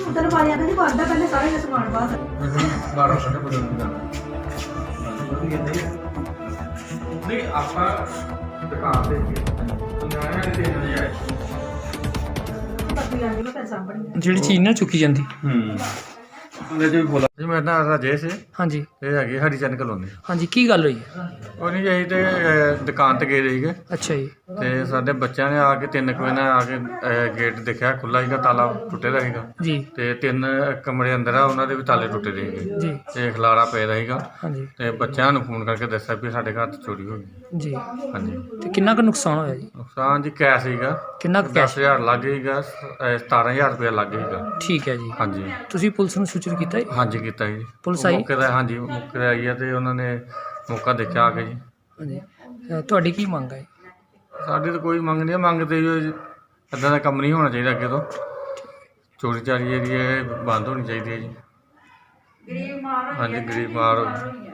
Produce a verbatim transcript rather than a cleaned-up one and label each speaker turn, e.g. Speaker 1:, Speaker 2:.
Speaker 1: ਉਧਰ ਵਾਲਿਆਂ ਦਾ ਨਹੀਂ ਬੰਦਾ ਪਹਿਲੇ ਸਾਰੇ ਦਾ ਸਮਾਨ ਬਾਹਰ
Speaker 2: ਬਾਰਾਂ ਸੌ ਰੁਪਏ ਬਦਲ ਨਹੀਂ ਆਪਾਂ ਦੁਕਾਨ ਤੇ ਨਿਆਣਿਆਂ ਦੇ ਤਿੰਨ ਵਜੇ ਆਏ
Speaker 1: ਪੱਤੀ ਆਂਦੀ ਮੈਂ ਫਿਰ ਸਾਂਭਣੀ
Speaker 3: ਜਿਹੜੀ ਚੀਜ਼ ਨਾ ਚੁੱਕੀ ਜਾਂਦੀ।
Speaker 2: ਹੂੰ ਉਹਨੇ ਜੀ ਬੋਲਾ ਜੀ ਮੈਂ ਨਾ ਰਾਜੇਸ਼
Speaker 3: ਹਾਂਜੀ
Speaker 2: ਇਹ ਹੈਗੀ ਹਰੀ ਚੰਦ ਕਲੋਨੀ।
Speaker 3: ਹਾਂਜੀ ਕੀ ਗੱਲ ਹੋਈ ਹੈ?
Speaker 2: ਉਹ ਨਹੀਂ ਅਸੀਂ ਤੇ ਅਹ, ਦੁਕਾਨ ਤੇ ਗਏ ਸੀਗੇ
Speaker 3: ਅੱਛਾ ਜੀ।
Speaker 2: ਤੇ ਸਾਡੇ ਬੱਚਿਆਂ ਨੇ ਆ ਕੇ ਤਿੰਨ ਕੁ ਵਜੇ ਨਾਲ ਆ ਕੇ ਅਹ, ਗੇਟ ਦੇਖਿਆ ਖੁੱਲ੍ਹਾ ਸੀਗਾ, ਤਾਲਾ ਟੁੱਟੇ ਦਾ ਸੀਗਾ
Speaker 3: ਜੀ
Speaker 2: ਤੇ ਤਿੰਨ ਕਮਰੇ ਅੰਦਰ ਆ ਉਹਨਾਂ ਦੇ ਵੀ ਤਾਲੇ ਟੁੱਟੇ ਦੇ ਸੀਗੇ
Speaker 3: ਜੀ
Speaker 2: ਤੇ ਖਲਾਰਾ ਪਿਆ ਦਾ ਸੀਗਾ
Speaker 3: ਹਾਂਜੀ
Speaker 2: ਤੇ ਬੱਚਿਆਂ ਨੂੰ ਫੋਨ ਕਰਕੇ ਦੱਸਿਆ ਵੀ ਸਾਡੇ ਘਰ 'ਚ ਚੋਰੀ ਹੋ ਗਈ।
Speaker 3: ਜੀ।
Speaker 2: ਹਾਂਜੀ
Speaker 3: ਤੇ ਕਿੰਨਾ ਕੁ ਨੁਕਸਾਨ ਹੋਇਆ ਜੀ?
Speaker 2: ਨੁਕਸਾਨ ਜੀ ਕੈਸ਼ ਸੀਗਾ
Speaker 3: ਕਿੰਨਾ ਕੁ
Speaker 2: ਦਸ
Speaker 3: ਕੈਸ਼?
Speaker 2: ਹਜ਼ਾਰ ਲੱਗ ਸੀਗਾ, ਅਹ, ਸਤਾਰਾਂ ਹਜ਼ਾਰ ਰੁਪਇਆ ਲੱਗ ਸੀਗਾ।
Speaker 3: ਠੀਕ ਹੈ ਜੀ।
Speaker 2: ਹਾਂਜੀ
Speaker 3: ਤੁਸੀਂ ਪੁਲਿਸ ਨੂੰ ਸੂਚਿਤ ਕੀਤਾ ਜੀ?
Speaker 2: ਹਾਂਜੀ ਕੀਤਾ ਜੀ।
Speaker 3: ਪੁਲਿਸ ਆਈ?
Speaker 2: ਮੌਕੇ ਦਾ ਹਾਂਜੀ ਮੌਕੇ ਤੇ ਆਈ ਹੈ ਤੇ ਉਹਨਾਂ ਨੇ ਮੌਕਾ ਦੇਖਿਆ ਆ ਕੇ ਜੀ।
Speaker 3: ਹਾਂਜੀ। ਅ, ਤੁਹਾਡੀ ਕੀ ਮੰਗ ਹੈ?
Speaker 2: ਸਾਡੀ ਤਾਂ ਕੋਈ ਮੰਗ ਨਹੀਂ ਹੈ, ਮੰਗ ਤੇ ਇੱਦਾਂ ਦਾ ਕੰਮ ਨਹੀਂ ਹੋਣਾ ਚਾਹੀਦਾ ਅੱਗੇ ਤੋਂ। ਚੋਰੀ ਚਾਰੀ ਜਿਹੜੀ ਹੈ ਇਹ ਬੰਦ ਹੋਣੀ ਚਾਹੀਦੀ ਹੈ ਜੀ। ਹਾਂਜੀ ਗਰੀਬ ਮਾਰ